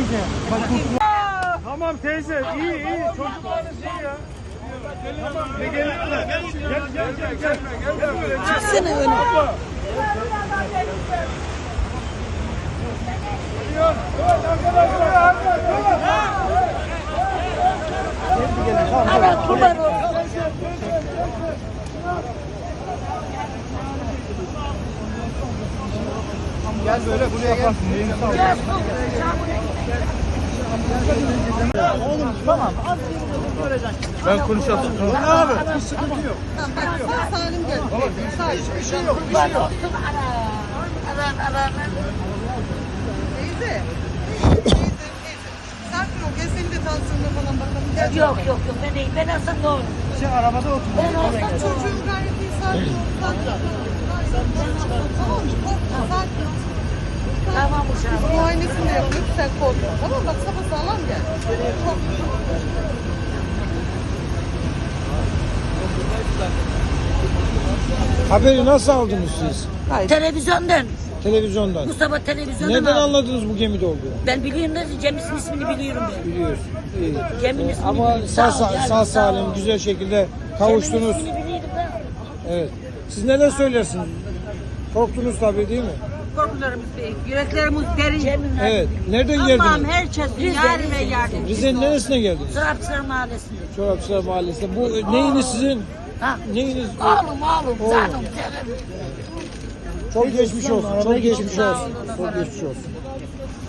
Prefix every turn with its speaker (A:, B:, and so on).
A: Tamam teyze, iyi. Çocuklarınız iyi ya. Tamam, gel.
B: Çıksana öyle.
C: Evet, kurban olsun.
A: Gel böyle buraya gel. Oğlum tamam. Ben konuşalım. Abi. Bir sıkıntı yok.
B: Sağ salim gel.
A: Hiçbir şey yok.
C: Kurban olsun. Ana.
B: Teyze. Sakin ol. Gel senin de tansiyonuna falan bakalım. Gel.
C: Yok, ben iyiyim. Ben aslında ne olur.
A: Arabada otur.
C: Ben olsam
B: Çocuğum gayet iyi. Sakin ol. Tamam mı? Korkma. Sakin ol.
C: tamam uşağım.
B: Muayenesini de yapıyor. Sen korkma. Tamam bak sapasağlam gel. Korkma.
D: Haberi nasıl aldınız siz?
C: Televizyondan.
D: Televizyondan.
C: Mustafa televizyondan
D: Neden
C: aldı.
D: anladınız bu gemide olduğunu?
C: Ben biliyorum da Cem'in ismini biliyorum ben.
D: Biliyorsun. İyi.
C: Cem'in ismini
D: Ama
C: biliyorum. Ol, yani,
D: sağ
C: ol.
D: salim güzel şekilde kavuştunuz.
C: Cem'in ismini biliyorum ben.
D: Evet. Siz neler söylersiniz? Korktunuz tabii değil mi?
E: Korkularımız büyük, yüreklerimiz derin.
C: Cem'in
D: Evet. Nereden
E: Allah'ım
D: geldiniz?
E: herkesin
C: Rize,
E: yar ve
C: Rize.
E: yardımcısı.
D: Rize'nin neresine geldiniz?
C: Sırapçılar Mahallesi'nde.
D: Çorapçılar Mahallesi'nde. Bu neyiniz sizin?
C: Ha.
D: Neyiniz?
C: Oğlum. Canım.
D: Çok geçmiş olsun. Çok geçmiş olsun. Çok geçmiş olsun.